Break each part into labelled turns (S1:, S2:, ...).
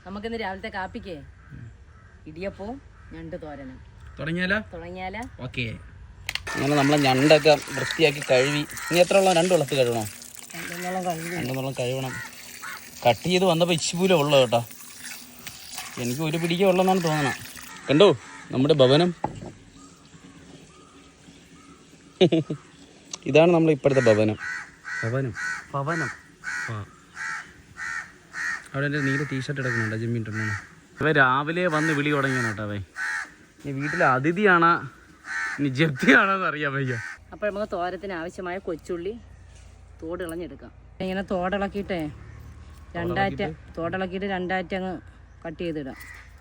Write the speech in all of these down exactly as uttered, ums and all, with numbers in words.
S1: നമുക്കിന്ന് രാവിലത്തെ കാപ്പിക്കേ ഇടിയപ്പവും ഞണ്ട് തോരനും
S2: തുടങ്ങിയാലോ
S1: തുടങ്ങിയാലോ
S2: ഓക്കെ. അങ്ങനെ നമ്മളെ ഞണ്ടൊക്കെ വൃത്തിയാക്കി കഴുകി. ഇനി എത്ര ഉള്ള രണ്ട് വെള്ളത്തിൽ കഴുകണോ? രണ്ടെണ്ണം കഴുകണം. കട്ട് ചെയ്ത് വന്നപ്പോൾ ഇച്ചിപൂല ഉള്ളു കേട്ടോ. എനിക്ക് ഒരു പിടിക്കേ ഉള്ളെന്നാണ് തോന്നണം. കണ്ടോ നമ്മുടെ ഭവനം. ഇതാണ് നമ്മൾ ഇപ്പോഴത്തെ ഭവനം. ഭവനം ഭവനം ആ അവിടെ എൻ്റെ നീല ടീഷർട്ട് എടുക്കുന്നുണ്ടോ ജിമ്മിട്ടുണ്ടോ? അവ രാവിലെ വന്ന് വിളി തുടങ്ങിയാണ് കേട്ടോ. അവൻ ഇനി വീട്ടിലെ അതിഥിയാണോ ഇനി ജപ്തിയാണോ എന്ന് അറിയാൻ വയ്യ.
S1: അപ്പോൾ നമുക്ക് തോരത്തിന് ആവശ്യമായ കൊച്ചുള്ളി തോടിളഞ്ഞെടുക്കാം. ഇങ്ങനെ തോടിളക്കിയിട്ടേ രണ്ടാറ്റ തോടിളക്കിയിട്ട് രണ്ടാറ്റ അങ്ങ് കട്ട് ചെയ്തിടാം.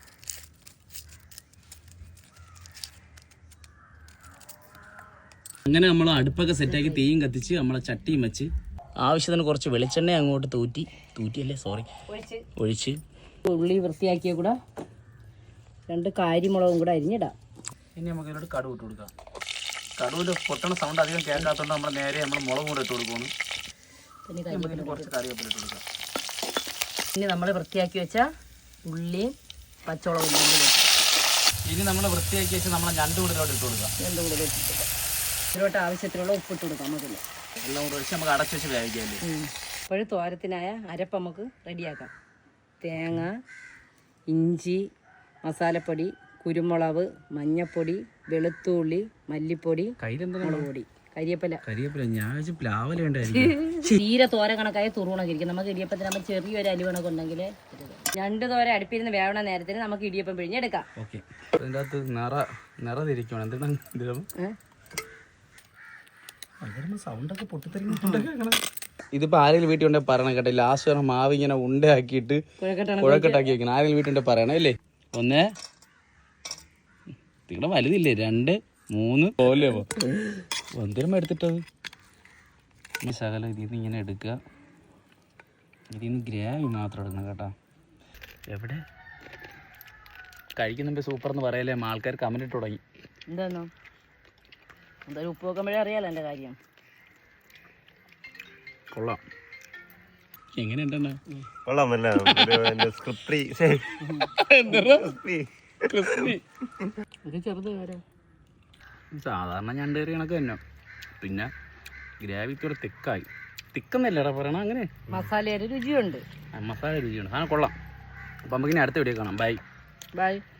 S2: അങ്ങനെ നമ്മൾ അടുപ്പൊക്കെ സെറ്റാക്കി തീയും കത്തിച്ച് നമ്മളെ ചട്ടിയും വെച്ച് ആവശ്യത്തിന് കുറച്ച് വെളിച്ചെണ്ണ അങ്ങോട്ട് തൂറ്റി തൂറ്റിയല്ലേ സോറി ഒഴിച്ച്
S1: ഉള്ളി വൃത്തിയാക്കിയ കൂടെ രണ്ട് കാരിമുളകും കൂടെ അരിഞ്ഞിടാം.
S2: ഇനി നമുക്ക് ഇതിലോട്ട് കടുവ് ഇട്ട് കൊടുക്കാം. കടുവിൽ പൊട്ടണ സൗണ്ട് അധികം കേൾക്കാത്തതുകൊണ്ട് നമ്മൾ നേരെ നമ്മൾ മുളക് കൂടെ ഇട്ട് കൊടുക്കുന്നു. പിന്നെ കുറച്ച് കറിവേപ്പില ഇട്ട് കൊടുക്കാം.
S1: ഇനി നമ്മൾ വൃത്തിയാക്കി വെച്ച ഉള്ളിയും പച്ചമുളകും
S2: ഇനി നമ്മൾ വൃത്തിയാക്കി വെച്ച് നമ്മളെ ഞണ്ട് കൂടിലോട്ട് ഇട്ട് കൊടുക്കാം.
S1: ഞണ്ട് കൂടെ ഇട്ടിട്ട് ഇതിലോട്ട് ആവശ്യത്തിനുള്ള ഉപ്പിട്ട് കൊടുക്കാം. നമുക്കില്ല
S2: എല്ലാം കൂടെ ഒഴിച്ച് നമുക്ക് അടച്ചു വെച്ച് വേവിക്കാമല്ലേ.
S1: ഇപ്പോഴും തോരത്തിനായ അരപ്പ് നമുക്ക് റെഡിയാക്കാം. തേങ്ങ, ഇഞ്ചി, മസാലപ്പൊടി, കുരുമുളക്, മഞ്ഞപ്പൊടി, വെളുത്തുള്ളി, മല്ലിപ്പൊടി, മുളക് പൊടി, കരിയപ്പല
S2: കരിയപ്പല ഞാൻ പ്ലാവല ഉണ്ടായിരിക്കും.
S1: തീരെ തോര കണക്കായി തുറുകണൊക്കെ ഇരിക്കും. നമുക്ക് ഇടിയപ്പത്തിന് നമ്മൾ ചെറിയൊരു അലുവണൊക്കെ ഉണ്ടെങ്കിൽ രണ്ട് തോര അടുപ്പിരുന്ന് വേവണ നേരത്തിന് നമുക്ക് ഇടിയപ്പം പിഴിഞ്ഞെടുക്കാം.
S2: ഓക്കെ. അതിൻ്റെ അകത്ത് നിറ നിറ തിരിക്കണം. എന്താണ് സൗണ്ടൊക്കെ പൊട്ടിത്തെറിക്കുന്നുണ്ട്. ഇതിപ്പോൾ ആരെങ്കിലും വീട്ടിൽ ഉണ്ടെങ്കിൽ പറയണം കേട്ടോ. ലാസ്റ്റ് വരെ മാവ് ഇങ്ങനെ ഉണ്ടയാക്കിയിട്ട് കുഴക്കെട്ടാക്കി വെക്കണം. ആരെങ്കിലും വീട്ടിൽ പറയണം അല്ലേ. ഒന്ന് നിങ്ങളുടെ വലുതില്ലേ, രണ്ട് മൂന്ന് പോലെ എന്തിനും എടുത്തിട്ടത്. ഈ ശകലം ഇതിൽ നിന്ന് ഇങ്ങനെ എടുക്കുക. ഇതിൽ നിന്ന് ഗ്രേവി മാത്രം എടുക്കണം കേട്ടോ. എവിടെ കഴിക്കുന്നുമ്പോ സൂപ്പർ എന്ന് പറയല്ലേ ആൾക്കാർ കമന്റ് ഇട്ട് തുടങ്ങി.
S1: എന്താന്നോ എന്തായാലും ഉപ്പ് വെക്കുമ്പോഴേ അറിയാലോ എൻ്റെ കാര്യം.
S2: കൊള്ളാം. എങ്ങനെയുണ്ടെന്ന്
S3: കൊള്ളാമല്ല.
S1: ചെറുത് വരെ
S2: സാധാരണ ഞണ്ട് കറി കണക്ക് തന്നെ. പിന്നെ ഗ്രേവി ഇത്തിരി തിക്കായി. തിക്കെന്നല്ലേടാ പറയണം. അങ്ങനെ
S1: മസാലയുടെ രുചിയുണ്ട്.
S2: മസാല രുചിയുണ്ട്. ആ കൊള്ളാം. അപ്പം നമുക്കിനി അടുത്ത വീഡിയോ കാണാം. Bye
S1: by.